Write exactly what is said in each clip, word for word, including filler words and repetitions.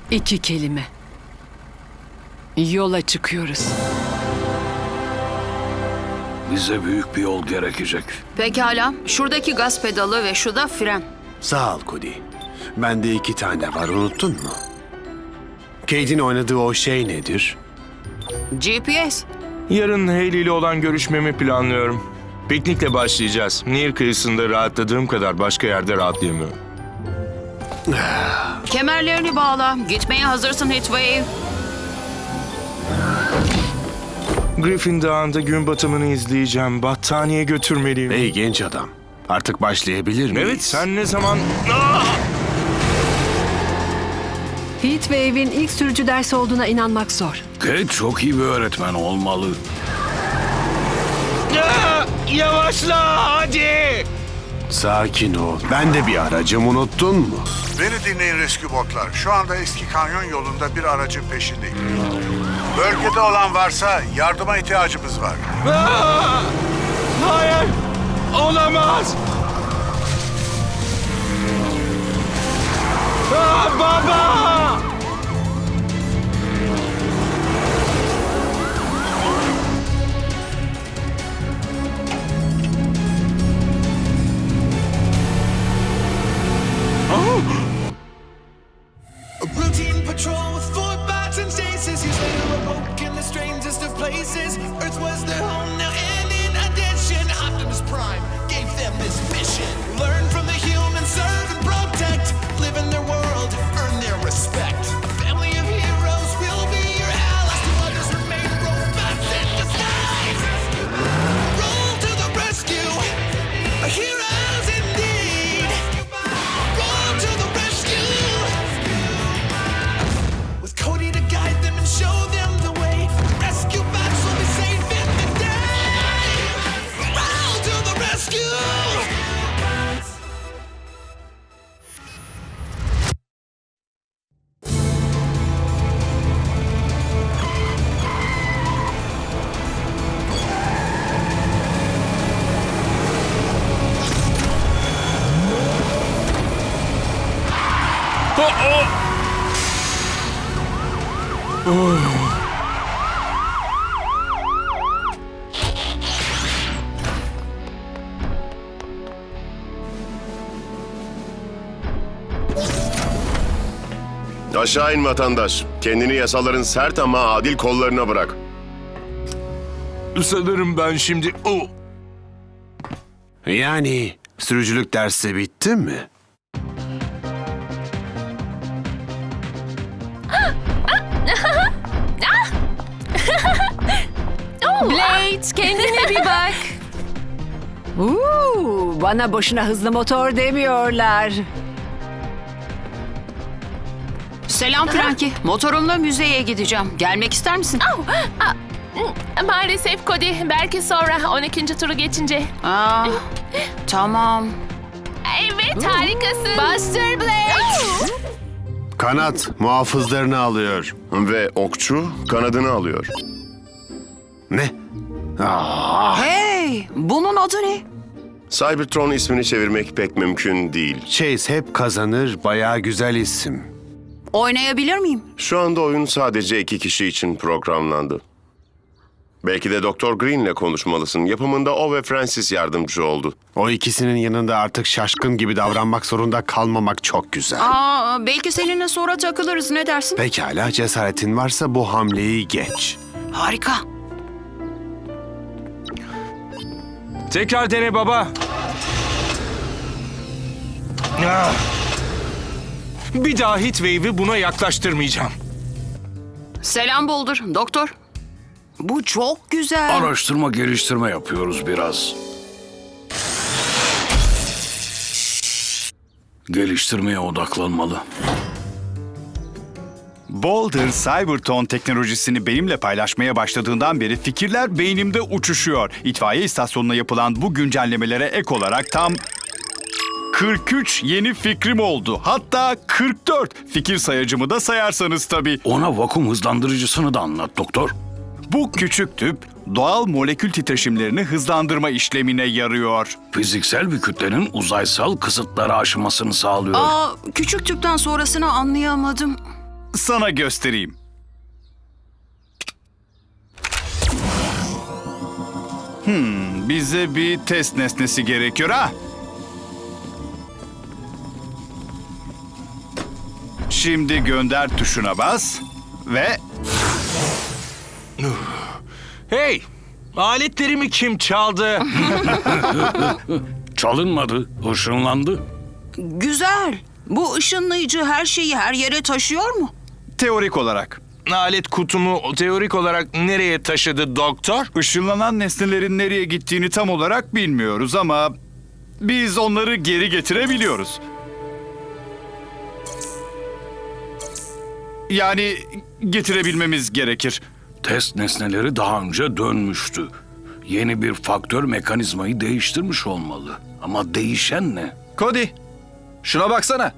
İki kelime. Yola çıkıyoruz. Bize büyük bir yol gerekecek. Pekala. Şuradaki gaz pedalı ve şu da fren. Sağ ol Cody. Bende iki tane var, unuttun mu? Cade'in oynadığı o şey nedir? G P S. Yarın Hayley ile olan görüşmemi planlıyorum. Piknikle başlayacağız. Nehir kıyısında rahatladığım kadar başka yerde rahatlayamıyorum. Kemerlerini bağla. Gitmeye hazırsın Heatwave. Griffin Dağı'nda gün batımını izleyeceğim. Battaniye götürmeliyim. Ey genç adam, artık başlayabilir miyiz? Evet, sen ne zaman... Ah! Heatwave'in ilk sürücü dersi olduğuna inanmak zor. Kate çok iyi bir öğretmen olmalı. Ah! Yavaşla hadi! Sakin ol. Ben de bir aracım, unuttun mu? Beni dinleyin rescue botlar. Şu anda eski kanyon yolunda bir aracın peşindeyim. Bölgede olan varsa yardıma ihtiyacımız var. Ah! Hayır! Olamaz! Ah, baba! A routine patrol with four bots and stasis. Years later, awoke in the strangest of places. Earth was their home now, and in addition, Optimus Prime gave them this mission: learn from the humans, serve and protect, live in their world, earn their respect. A family of heroes will be your allies. To others remain robots in disguise. Roll to the rescue, heroes indeed. Roll to the rescue. With Cody to guide them and show them the way, rescue bots will be safe in the day. Roll to the rescue! Aşağı in vatandaş. Kendini yasaların sert ama adil kollarına bırak. Sanırım ben şimdi... Oh! Yani sürücülük dersi bitti mi? Blade, kendine bir bak. Uuu, bana boşuna hızlı motor demiyorlar. Selam Frankie. Motorumla müzeye gideceğim. Gelmek ister misin? Oh, ah, mm, maalesef Cody, belki sonra on ikinci turu geçince. Aa, tamam. Evet, harikasın. Buster Blade. Kanat muhafızlarını alıyor. Ve okçu kanadını alıyor. Ne? Aa, Hey, bunun adı ne? Cybertron ismini çevirmek pek mümkün değil. Chase hep kazanır, bayağı güzel isim. Oynayabilir miyim? Şu anda oyun sadece iki kişi için programlandı. Belki de Doktor Green'le konuşmalısın. Yapımında o ve Francis yardımcı oldu. O ikisinin yanında artık şaşkın gibi davranmak zorunda kalmamak çok güzel. Aa, belki seninle sonra takılırız. Ne dersin? Pekala, cesaretin varsa bu hamleyi geç. Harika. Tekrar dene baba. Ah! Bir daha Heatwave'i buna yaklaştırmayacağım. Selam Boulder. Doktor. Bu çok güzel. Araştırma geliştirme yapıyoruz biraz. Geliştirmeye odaklanmalı. Boulder, Cybertron teknolojisini benimle paylaşmaya başladığından beri fikirler beynimde uçuşuyor. İtfaiye istasyonuna yapılan bu güncellemelere ek olarak tam kırk üç yeni fikrim oldu. Hatta kırk dört fikir sayacımı da sayarsanız tabii. Ona vakum hızlandırıcısını da anlat doktor. Bu küçük tüp doğal molekül titreşimlerini hızlandırma işlemine yarıyor. Fiziksel bir kütlenin uzaysal kısıtları aşmasını sağlıyor. Aa, küçük tüpten sonrasını anlayamadım. sana göstereyim. Hmm, bize bir test nesnesi gerekiyor ha? Şimdi gönder tuşuna bas ve Hey! Aletlerimi kim çaldı? Çalınmadı, ışınlandı. Güzel. Bu ışınlayıcı her şeyi her yere taşıyor mu? teorik olarak Alet kutumu teorik olarak nereye taşıdı doktor? ışınlanan nesnelerin nereye gittiğini tam olarak bilmiyoruz ama biz onları geri getirebiliyoruz. Yani getirebilmemiz gerekir. Test nesneleri daha önce dönmüştü. Yeni bir faktör mekanizmayı değiştirmiş olmalı. Ama değişen ne? Cody, şuna baksana.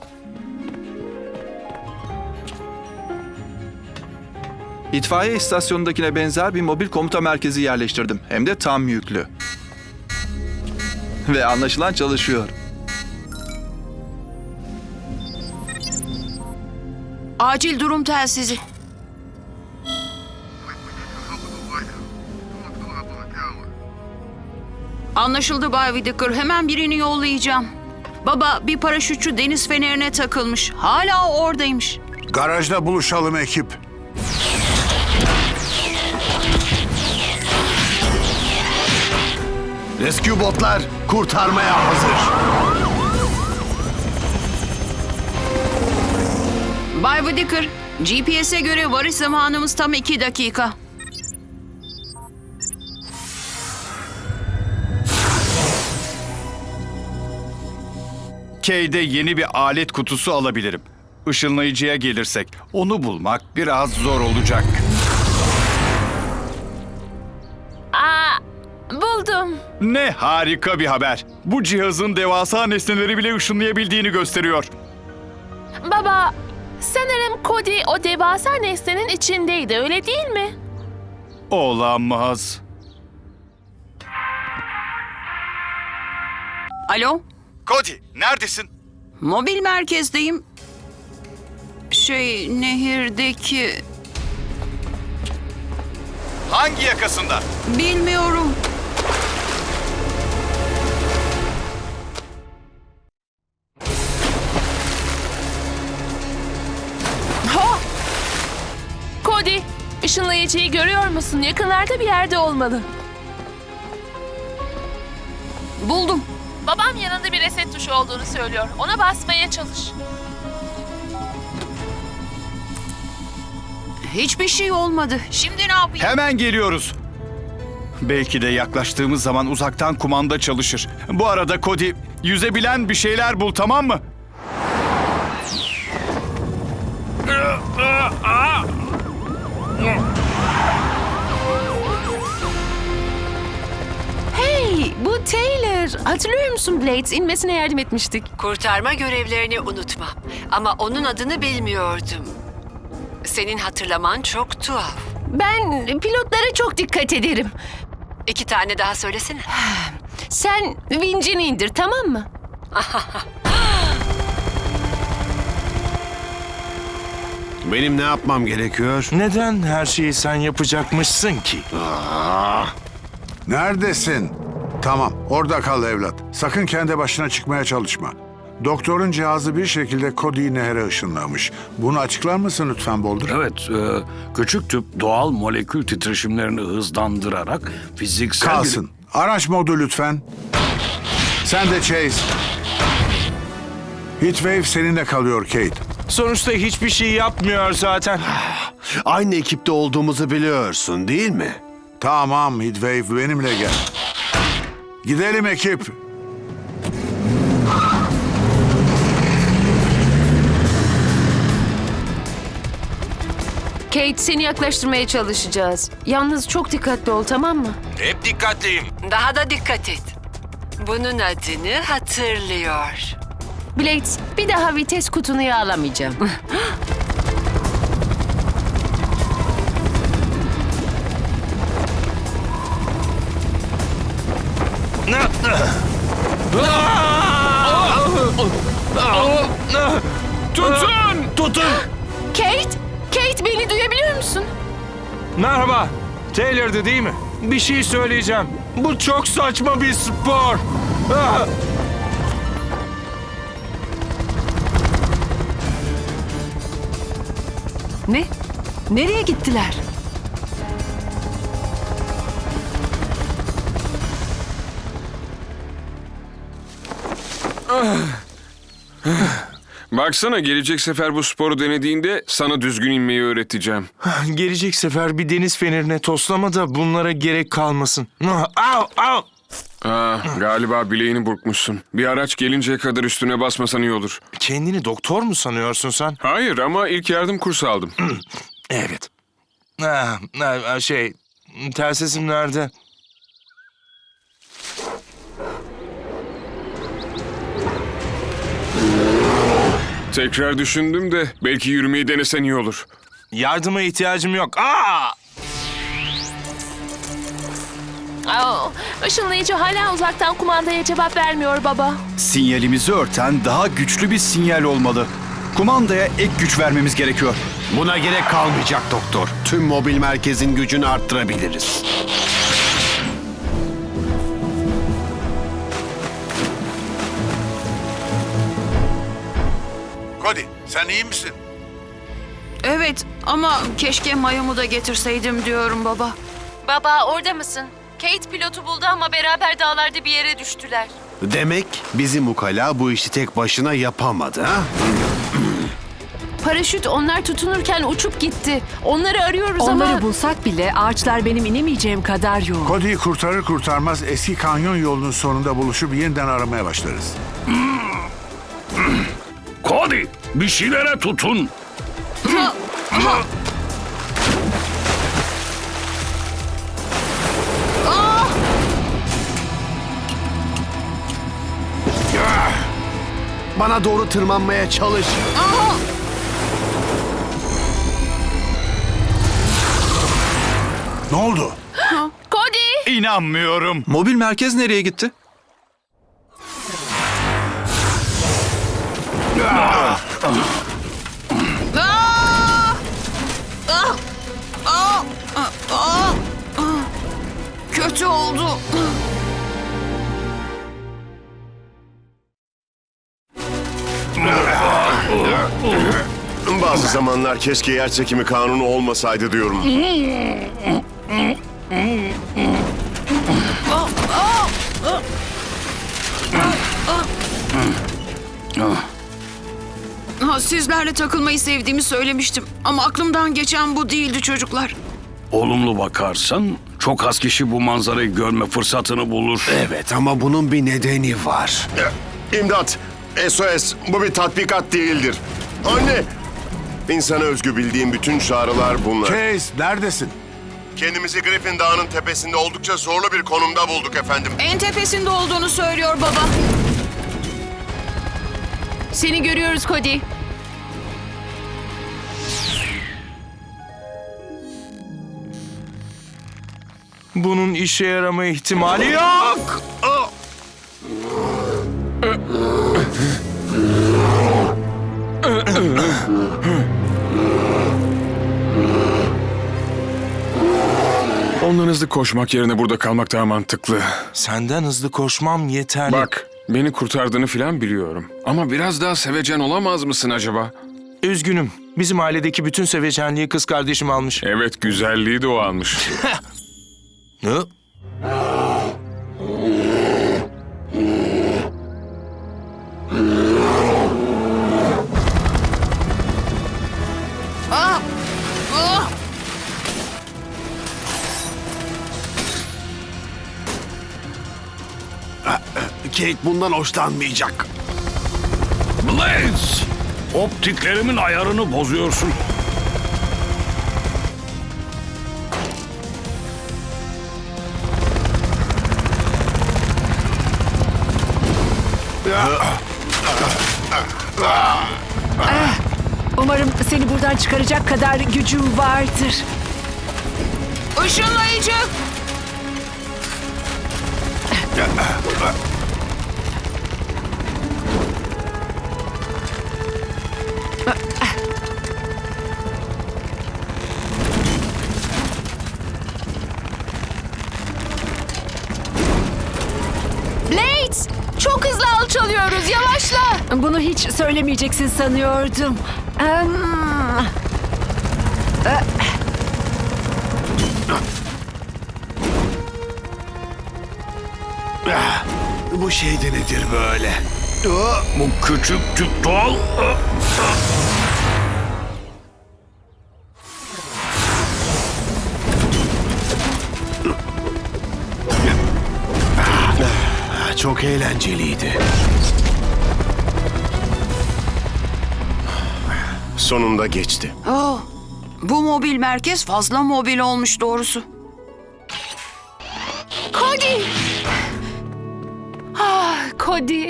İtfaiye istasyonundakine benzer bir mobil komuta merkezi yerleştirdim. Hem de tam yüklü. Ve anlaşılan çalışıyor. Acil durum telsizi. Anlaşıldı Bay Whittaker. Hemen birini yollayacağım. Baba, bir paraşütçü deniz fenerine takılmış. Hala oradaymış. Garajda buluşalım ekip. Rescue botlar kurtarmaya hazır. Bay Whittaker, G P S'e göre varış zamanımız tam iki dakika. K'de yeni bir alet kutusu alabilirim. Işınlayıcıya gelirsek onu bulmak biraz zor olacak. Aa, buldum. Ne harika bir haber. Bu cihazın devasa nesneleri bile ışınlayabildiğini gösteriyor. Baba, sanırım Cody o devasa nesnenin içindeydi, öyle değil mi? Olamaz. Alo, Cody, neredesin? mobil merkezdeyim. Şey, nehirdeki... Hangi yakasında? Bilmiyorum. Ha! Cody, ışınlayıcıyı görüyor musun? Yakınlarda bir yerde olmalı. Buldum. Babam yanında bir reset tuşu olduğunu söylüyor. Ona basmaya çalış. Hiçbir şey olmadı. Şimdi ne yapayım? Hemen geliyoruz. Belki de yaklaştığımız zaman uzaktan kumanda çalışır. Bu arada Cody, yüzebilen bir şeyler bul, tamam mı? Hey, bu Taylor. Hatırlıyor musun Blades? İnmesine yardım etmiştik. Kurtarma görevlerini unutma. Ama onun adını bilmiyordum. Senin hatırlaman çok tuhaf. Ben pilotlara çok dikkat ederim. İki tane daha söylesene. Sen vincini indir, tamam mı? Benim ne yapmam gerekiyor? Neden her şeyi sen yapacakmışsın ki? Neredesin? Tamam, orada kal evlat. Sakın kendi başına çıkmaya çalışma. Doktorun cihazı bir şekilde Cody'yi nehre ışınlamış. Bunu açıklar mısın lütfen Boulder? Evet, e, küçük tüp doğal molekül titreşimlerini hızlandırarak fiziksel... bir- Kalsın. Araç modu lütfen. Sen de Chase. Heatwave seninle kalıyor Kate. Sonuçta hiçbir şey yapmıyor zaten. Aynı ekipte olduğumuzu biliyorsun değil mi? Tamam Heatwave, benimle gel. Gidelim ekip. Kate, seni yaklaştırmaya çalışacağız. Yalnız çok dikkatli ol, tamam mı? Hep dikkatliyim. Daha da dikkat et. Bunun adını hatırlıyor. Blades, bir daha vites kutunu yağlamayacağım. Tutun! Tutun! Kate? Kate beni duyabiliyor musun? Merhaba. Taylor'dı değil mi? Bir şey söyleyeceğim. Bu çok saçma bir spor. Ah! Ne? Nereye gittiler? Baksana, gelecek sefer bu sporu denediğinde sana düzgün inmeyi öğreteceğim. Gelecek sefer bir deniz fenerine toslama da bunlara gerek kalmasın. Ah, Au, au. Aa, galiba bileğini burkmuşsun. Bir araç gelinceye kadar üstüne basmasan iyi olur. Kendini doktor mu sanıyorsun sen? Hayır ama ilk yardım kursu aldım. Evet. Ah, ah, şey, telsizim nerede? Tekrar düşündüm de belki yürümeyi denesen iyi olur. Yardıma ihtiyacım yok. Aa! Aa, ışınlayıcı hala uzaktan kumandaya cevap vermiyor baba. Sinyalimizi örten daha güçlü bir sinyal olmalı. Kumandaya ek güç vermemiz gerekiyor. Buna gerek kalmayacak doktor. Tüm mobil merkezin gücünü arttırabiliriz. Cody, sen iyi misin? Evet ama keşke mayomu da getirseydim diyorum baba. Baba orada mısın? Kate pilotu buldu ama beraber dağlarda bir yere düştüler. Demek bizim ukala bu işi tek başına yapamadı ha? Paraşüt onlar tutunurken uçup gitti. Onları arıyoruz ama... Onları bulsak bile ağaçlar benim inemeyeceğim kadar yoğun. Cody'yi kurtarır kurtarmaz eski kanyon yolunun sonunda buluşup yeniden aramaya başlarız. Cody, bir şeylere tutun. Bana doğru tırmanmaya çalış. Ne oldu? Cody! İnanmıyorum. Mobil merkez nereye gitti? Aa! Ah! Aa! Aa! Aa! Kötü oldu. Bazı zamanlar keşke yer çekimi kanunu olmasaydı diyorum. Ha, sizlerle takılmayı sevdiğimi söylemiştim. Ama aklımdan geçen bu değildi çocuklar. Olumlu bakarsan çok az kişi bu manzarayı görme fırsatını bulur. Evet ama bunun bir nedeni var. İmdat! S O S, bu bir tatbikat değildir. Anne! İnsana özgü bildiğim bütün çağrılar bunlar. Chase, neredesin? Kendimizi Griffin Dağı'nın tepesinde oldukça zorlu bir konumda bulduk efendim. En tepesinde olduğunu söylüyor baba. Seni görüyoruz Cody. Bunun işe yarama ihtimali yok. Ah! Ondan hızlı koşmak yerine burada kalmak daha mantıklı. Senden hızlı koşmam yeterli. Bak, beni kurtardığını falan biliyorum. Ama biraz daha sevecen olamaz mısın acaba? Üzgünüm. Bizim ailedeki bütün sevecenliği kız kardeşim almış. Evet, güzelliği de o almış. Ne? Ah! Ah! Kate bundan hoşlanmayacak. Blaze! Optiklerimin ayarını bozuyorsun. Umarım seni buradan çıkaracak kadar gücüm vardır. Işınlayıcı! Bunu hiç söylemeyeceksin sanıyordum. Em, Bu şey de nedir böyle? Bu küçük tüttal. Çok eğlenceliydi. Sonunda geçti. Oh, bu mobil merkez fazla mobil olmuş doğrusu. Cody! Ah, Cody.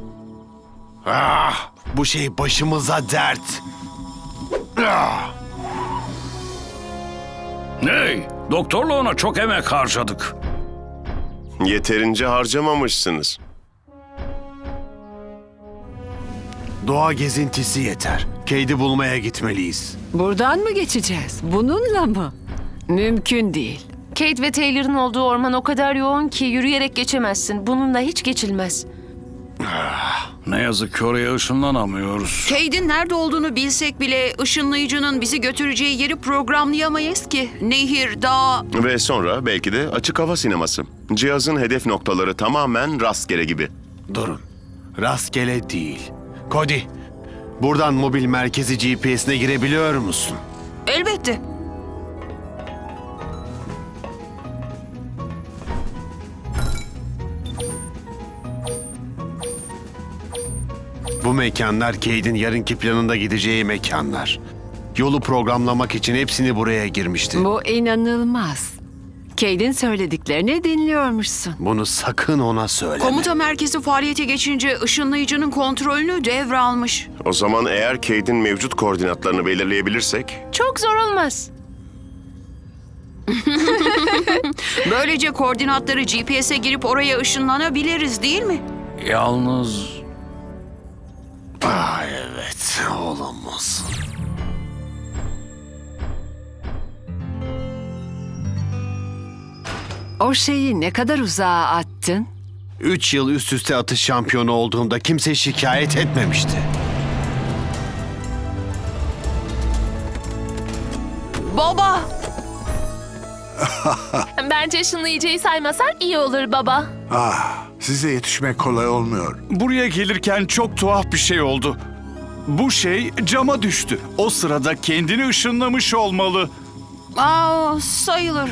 Ah, bu şey başımıza dert. Ah. Hey, doktorla ona çok emek harcadık. Yeterince harcamamışsınız. Doğa gezintisi yeter. Cade'i bulmaya gitmeliyiz. buradan mı geçeceğiz? Bununla mı? Mümkün değil. Kate ve Taylor'ın olduğu orman o kadar yoğun ki yürüyerek geçemezsin. Bununla hiç geçilmez. Ne yazık ki oraya ışınlanamıyoruz. Cade'in nerede olduğunu bilsek bile ışınlayıcının bizi götüreceği yeri programlayamayız ki. Nehir, dağ... Ve sonra belki de açık hava sineması. Cihazın hedef noktaları tamamen rastgele gibi. Durun. Rastgele değil. Cody, buradan mobil merkezi G P S'ine girebiliyor musun? Elbette. Bu mekanlar Cade'in yarınki planında gideceği mekanlar. Yolu programlamak için hepsini buraya girmişti. Bu inanılmaz. Cade'in söylediklerini dinliyormuşsun. Bunu sakın ona söyleme. Komuta merkezi faaliyete geçince ışınlayıcının kontrolünü devralmış. O zaman eğer Cade'in mevcut koordinatlarını belirleyebilirsek... Çok zor olmaz. Böylece koordinatları G P S'e girip oraya ışınlanabiliriz değil mi? Yalnız Ah evet, olamaz. O şeyi ne kadar uzağa attın? Üç yıl üst üste atış şampiyonu olduğumda kimse şikayet etmemişti. Baba! Bence ışınlayıcıyı saymasan iyi olur baba. Ah, size yetişmek kolay olmuyor. Buraya gelirken çok tuhaf bir şey oldu. Bu şey cama düştü. O sırada kendini ışınlamış olmalı. Aa, sayılır.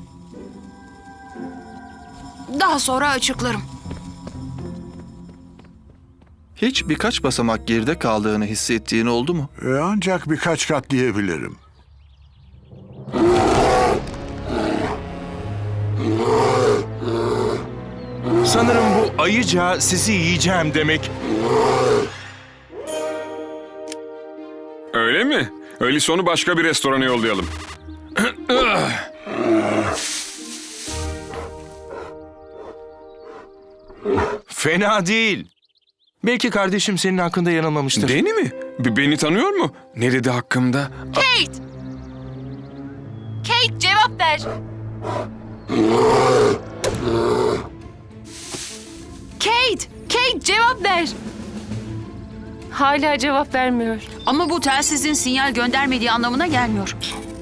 Daha sonra açıklarım. Hiç birkaç basamak geride kaldığını hissettiğin oldu mu? E, ancak birkaç kat diyebilirim. Sanırım bu ayıca sizi yiyeceğim demek. Öyle mi? Öyleyse onu başka bir restorana yollayalım. Fena değil. Belki kardeşim senin hakkında yanılmamıştır. Beni mi? B- beni tanıyor mu? Ne dedi hakkımda? Kate! Kate cevap ver. Kate! Kate cevap ver. Hala cevap vermiyor. Ama bu telsizin sinyal göndermediği anlamına gelmiyor.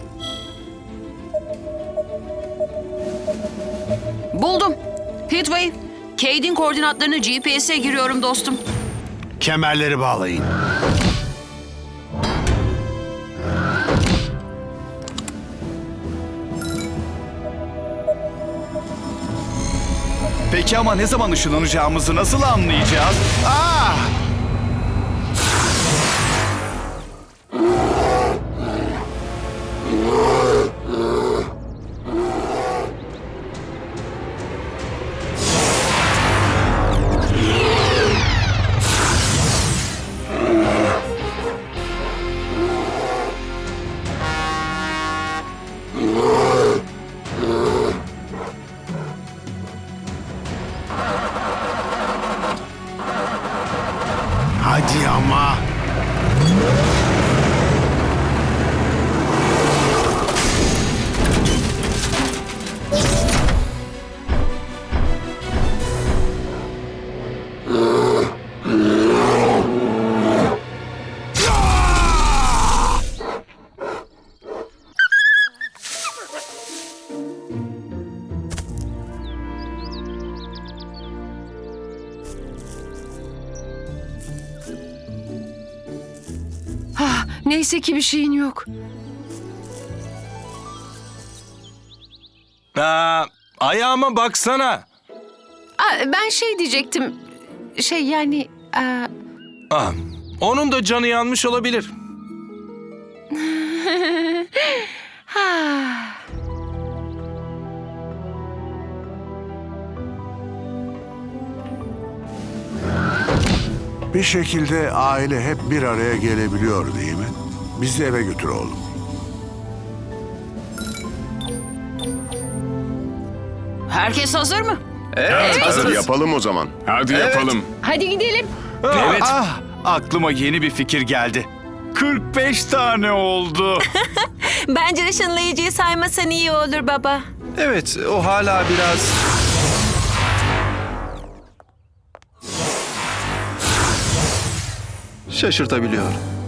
Buldum. Heatwave, Cade'in koordinatlarını G P S'e giriyorum dostum. Kemerleri bağlayın. Peki ama ne zaman ışınlanacağımızı nasıl anlayacağız? Ah! Hadi ama. Neyse ki bir şeyin yok. Aa, ayağıma baksana. Aa, ben şey diyecektim. Şey yani... aa, Ah, onun da canı yanmış olabilir. Bir şekilde aile hep bir araya gelebiliyor değil mi? Bizi eve götür oğlum. Herkes hazır mı? Evet, hazırız. Yapalım o zaman. Hadi yapalım. Hadi gidelim. Evet. Ah, aklıma yeni bir fikir geldi. kırk beş tane oldu. Bence ışınlayıcıyı saymasan iyi olur baba. Evet, o hala biraz... şaşırtabiliyor.